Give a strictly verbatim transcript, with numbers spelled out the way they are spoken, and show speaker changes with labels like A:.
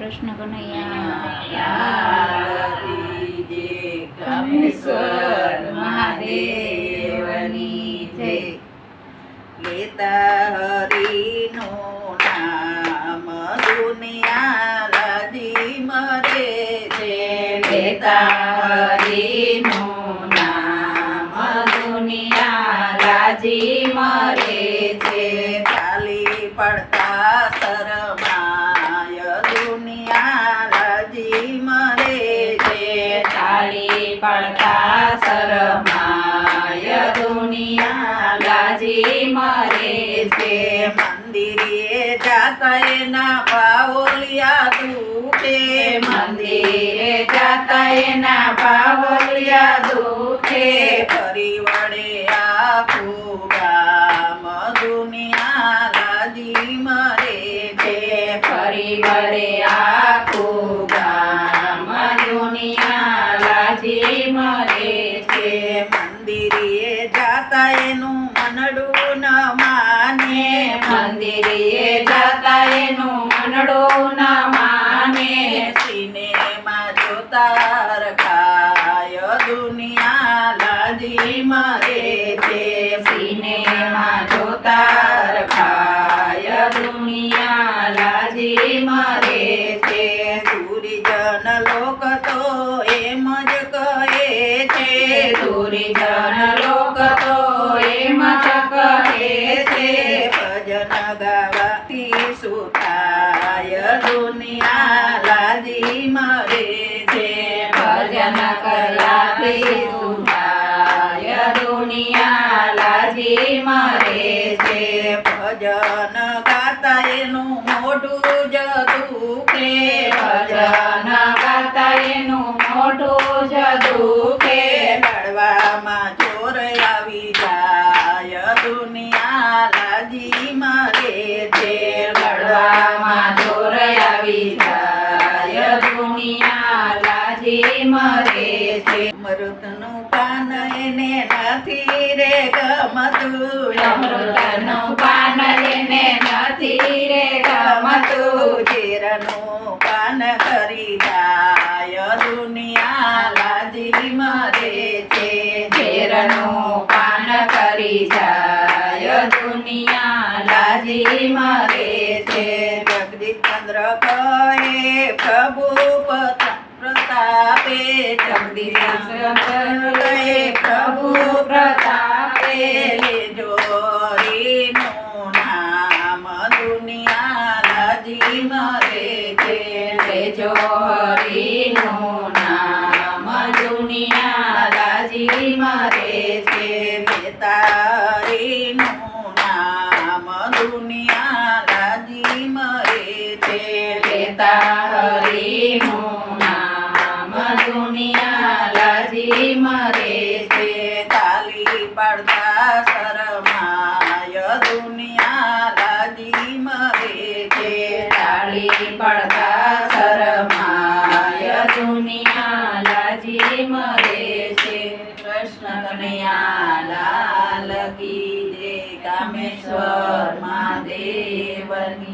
A: કૃષ્ણ કનૈયા
B: કામેશ્વર મહાદેવની જય. લેતા હરિનું નામ દુનિયા રાજી મરે છે.
A: લેતા હરિનું નામ દુનિયા રાજી મરે છે.
B: ચાલી પડતા શરમાય દુનિયા રાજી મરે છે.
A: ચાલી પડતા શરમાય દુનિયા લાજી મરે છે.
B: મંદિરે જાતા એના પાઓલિયા દુખે.
A: મંદિરે જાતા એના પાવલિયા દુખે.
B: ફરી વળે આખું ગામ દુનિયા લાજી મરે છે.
A: ફરી વળે આખું ગામ દુનિયા લાજી મરે છે.
B: મંદિરે જાતા એનું મનડું ન માને.
A: મંદિરે જાતા એનું મનડું ન માને.
B: સિનેમા જોતા રખાય દુનિયા લાજી મરે છે.
A: સિનેમા જોતા રખાય દુનિયા લાજી મરે છે.
B: દુર્જન લોક તો એમ જ કહે છે.
A: દુર્જન લોક તો એમ જ કહે છે.
B: ભજન ગાવાથી સુતાય દુનિયા લાજી મરે છે.
A: ભજન કર્યાથી સુધાય દુનિયા લાજી મરે છે.
B: ભજન ગાતા એનું મોઢું જ દુખે.
A: ભજન ગાતા એનું મોઢું જ દુખે.
B: લડવામાં જોર આવી જાય દુનિયા લાજી મરે છે.
A: લડવામાં જોર આવી જાય દુનિયા લાજી મરે છે.
B: અમૃતનું પાન એને નથી રે ગમતું.
A: અમૃતનું પાન એને નથી રે ગમતું.
B: ઝેરનું પાન કરી જાય દુનિયા લાજી મરે છે.
A: ઝેરનું પાન કરી જાય દુનિયા લાજી મરે છે.
B: જગદીશચંદ્ર કહે પ્રભુ પત- પ્રતાપે. જગદીશચંદ્ર કહે પ્રભુ પ્રતાપે. લેજો હરિનું નામ દુનિયા લાજી મરે છે.
A: લેજો હરિનું નામ દુનિયા લાજી મરે છે.
B: લેતા હરિનું નામ દુનિયા લાજી મરે છે.
A: લેતા હરિનું નામ દુનિયા લાજી મરે છે.
B: ચાલી પડતા શરમાય દુનિયા લાજી મરે છે.
A: તાળી પડતા શરમાય દુનિયા લાજી મરે છે.
B: કૃષ્ણ કનૈયા લાલ કી જય. કામેશ્વર મહાદેવની